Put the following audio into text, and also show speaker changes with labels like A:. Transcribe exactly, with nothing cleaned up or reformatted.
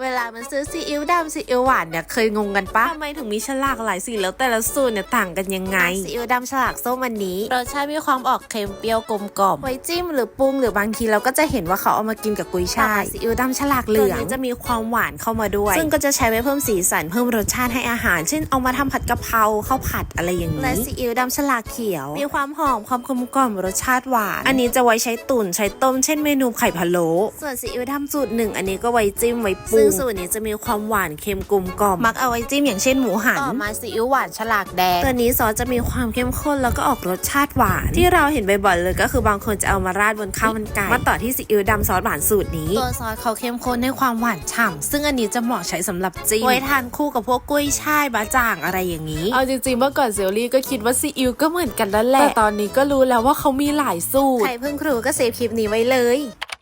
A: เวลามันซื้อซีอิ๊วดำซีอิ๊วหวานเนี่ยเคยงงกันปะทำไมถึงมีฉลากหลายสีแล้วแต่ละสูตรเนี่ยต่างกันยังไงซีอิ๊วดำฉลากส้มวันนี้รสชาติมีความออกเค็มเปรี้ยวกลมกล่อมไว้จิ้มหรือปรุงหรือบางทีเราก็จะเห็นว่าเขาเอามากินกับกุยช่ายซีอิ๊วดำฉลากเหลืองจะมีความหวานเข้ามาด้วยซึ่งก็จะใช้ไว้เพิ่มสีสันเพิ่มรสชาติให้อาหารเช่นเอามาทำผัดกะเพราข้าวผัดอะไรอย่างนี้และซีอิ๊วดำฉลากเขียวมีความหอมความกลมกล่อมรสชาติหวานอันนี้จะไว้ใช้ตุ๋นใช้ต้มเช่นเมนูไข่พะโล้ส่วนซีอิ๊วดำสูตรหนึ่งอันนี้ก็ไว้จิ้มไว้ปรุงซึ่งสูตรนี้จะมีความหวานเค็มกลมกล่อมมักเอาไว้จิ้มอย่างเช่นหมูหันต่อมาซีอิ๊วหวานฉลากแดงตัวนี้ซอสจะมีความเข้มข้นแล้วก็ออกรสชาติหวานที่เราเห็นบ่อยๆเลยก็คือบางคนจะเอามาราดบนข้าวมันไก่มาต่อที่ซีอิ๊วดำซอสหวานสูตรนี้ตัวซอสเขาเข้มข้นให้ความหวานฉ่ำซึ่งอันนี้จะเหมาะใช้สำหรับจิ้มไว้ทานคู่กับพวกกุ้ยช่ายบะจ่างอะไรอย่างนี้เอาจริงๆเมื่อก่อนเซลลี่ก็คิดว่าซีอิ๊วก็เหมือนกันแล้วแหละแต่ตอนนี้ก็รู้แล้วว่าเขามีหลายสูตรใครเพิ่งรู้ก็เซฟคลิปนี้ไว้เลย